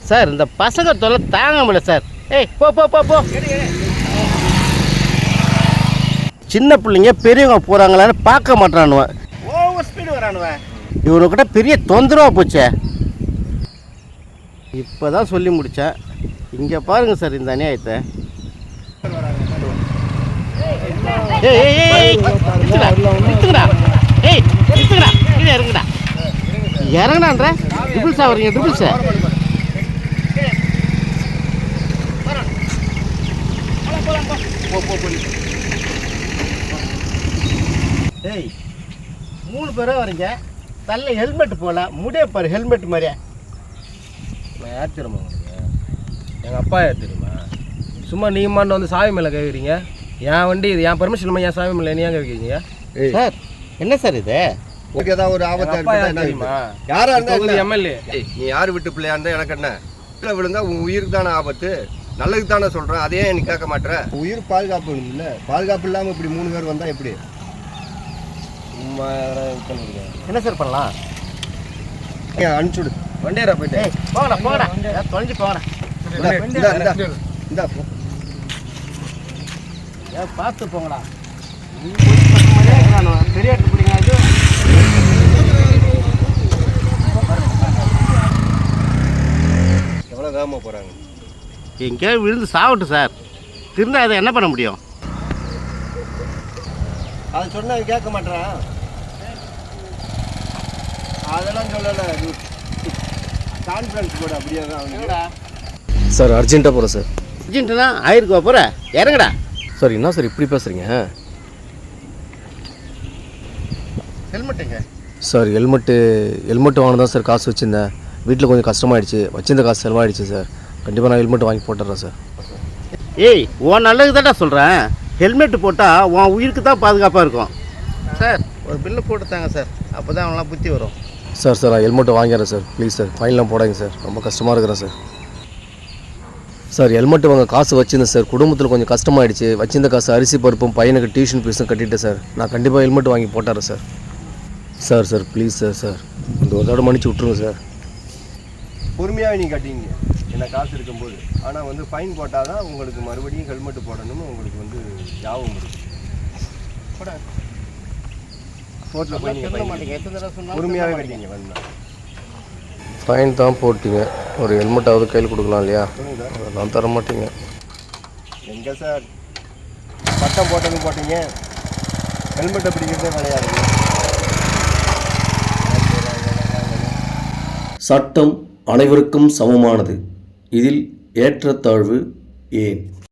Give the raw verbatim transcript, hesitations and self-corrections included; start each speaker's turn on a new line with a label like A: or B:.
A: Sir இந்த பசங்க தொல்லை தாங்க முடியல சார். ஏய் போ போ போ போ. சின்ன பிள்ளைங்க பெரியவங்க போகிறாங்களான்னு பார்க்க மாட்டானுவன். Over speed வரானுவன். இவனுக்கிட்ட பெரிய தொந்தரவாக போச்சே. இப்போ தான் சொல்லி முடித்தேன். இங்கே பாருங்கள் சார் இந்த அநியாயத்தை. ஏய் ஏய் ஏய் நிறுத்துடா நிறுத்துங்கடா. ஏய் நிறுத்துங்கடா. கீழே இறங்குடா. இறங்குடான்ற ட்ரிபிள்ஸா வரீங்க ட்ரிபிள்ஸா. ஏய் மூணு பேராக வரீங்க. தள்ள ஹெல்மெட் போகல. முடிய பாரு ஹெல்மெட் மாதிரியா.
B: நான் யார் தெரியுமா உங்களுக்கு? எங்கள் அப்பா யார் தெரியுமா? சும்மா நீமான்னு வந்து சாவி மேலே கேட்குறீங்க. என் வண்டி இது என் பர்மிஷன் இல்லாமல் என் சாவி மேலே நீ ஏன் கேட்குறீங்க?
A: சார் என்ன சார் இது?
C: ஓகே ஏதாவது ஒரு ஆபத்து
B: தெரியுமா?
C: யாரா இருந்தா
B: எம்எல்ஏ
C: நீ யார் விட்டு பிள்ளையா இருந்தா எனக்கு என்ன? கீழே விழுந்தா உன் உயிருக்கு தானே ஆபத்து. நல்லதுக்கு தானே சொல்கிறேன். அதையே நீ கேட்க மாட்டேன். உயிர் பாதுகாப்பு இல்லை. பாதுகாப்பு இல்லாமல் இப்படி மூணு பேர் வந்தால் எப்படி?
A: என்ன சார் பண்ணலாம்?
C: அனுப்பிச்சுடு
B: வண்டியாரா போயிட்டு.
A: போங்கடா போங்கடா தொலைஞ்சு போங்கடா.
C: இந்தா
A: ஏன் பார்த்து போங்கடா. பெரிய பிடிங்க. இது
C: எவ்வளோ வேகமாக போகிறாங்க.
A: எங்கேயாவது விழுந்து சாவட்டும் சார். திருந்தா அதை என்ன பண்ண முடியும்?
C: அதை சொன்ன கேட்க மாட்டேறான். அதெல்லாம் சொல்லலை. கான்ஃபரன்ஸ் போட அப்படியே தான்.
B: சார் அர்ஜென்ட்டாக போகிறேன் சார்.
A: அர்ஜென்ட்டுனா ஆயிருக்குவா போகிற இறங்குடா.
B: சார் என்ன சார் இப்படி பேசுகிறீங்க?
A: ஹெல்மெட்டுங்க
B: சார். ஹெல்மெட்டு ஹெல்மெட்டு வாங்க தான் சார் காசு வச்சுருந்தேன். வீட்டில் கொஞ்சம் கஷ்டமாயிடுச்சு. வச்சிருந்த காசு செலவாயிடுச்சு சார். கண்டிப்பாக நான் ஹெல்மெட் வாங்கி போட்டுறேன் சார்.
A: ஏய் உன் நல்லதுக்கு தான்டா சொல்கிறேன். ஹெல்மெட்டு போட்டால் உன் உயிருக்கு தான் பாதுகாப்பாக இருக்கும். சார் ஒரு பில்லு போட்டுத்தாங்க சார். அப்போ தான் அவங்களாம் புத்தி வரும்.
B: சார் சார் நான் ஹெல்மெட்டை வாங்கிடுறேன் சார். ப்ளீஸ் சார் ஃபைன்லாம் போடாங்க சார். ரொம்ப கஷ்டமாக இருக்கிறேன் சார். சார் ஹெல்மெட்டு வாங்க காசு வச்சுருந்தேன் சார். குடும்பத்தில் கொஞ்சம் கஷ்டமாயிடுச்சு. வச்சிருந்த காசு அரிசி பருப்பும் பையனுக்கு டியூஷன் ஃபீஸும் கட்டிட்டேன் சார். நான் கண்டிப்பாக ஹெல்மெட் வாங்கி போட்டுறேன் sir. Sir sir please sir. Sir இந்த ஒரு தடவை மன்னிச்சு விட்ருங்க சார்.
C: பொறுமையாக நீ கட்டிங்க என்ன காசு இருக்கும்போது. ஆனால் வந்து ஃபைன் போட்டால் தான் உங்களுக்கு மறுபடியும் ஹெல்மெட்டு போடணும்னு உங்களுக்கு வந்து ஞாபகம் இருக்குது. கோர்ட்டில் போய் நீங்கள் பொறுமையாகவே கட்டிங்க. வந்தால்
B: ஃபைன் தான் போட்டிங்க. ஒரு ஹெல்மெட்டாவது கையில் கொடுக்கலாம் இல்லையா? நான் தர மாட்டீங்க.
C: எங்கே சார் பட்டம் போட்டதும் போட்டீங்க. ஹெல்மெட்டை பிடிக்கிறதே விளையாடுங்க.
D: சட்டம் அனைவருக்கும் சமமானது. இதில் ஏற்றத்தாழ்வு ஏன்?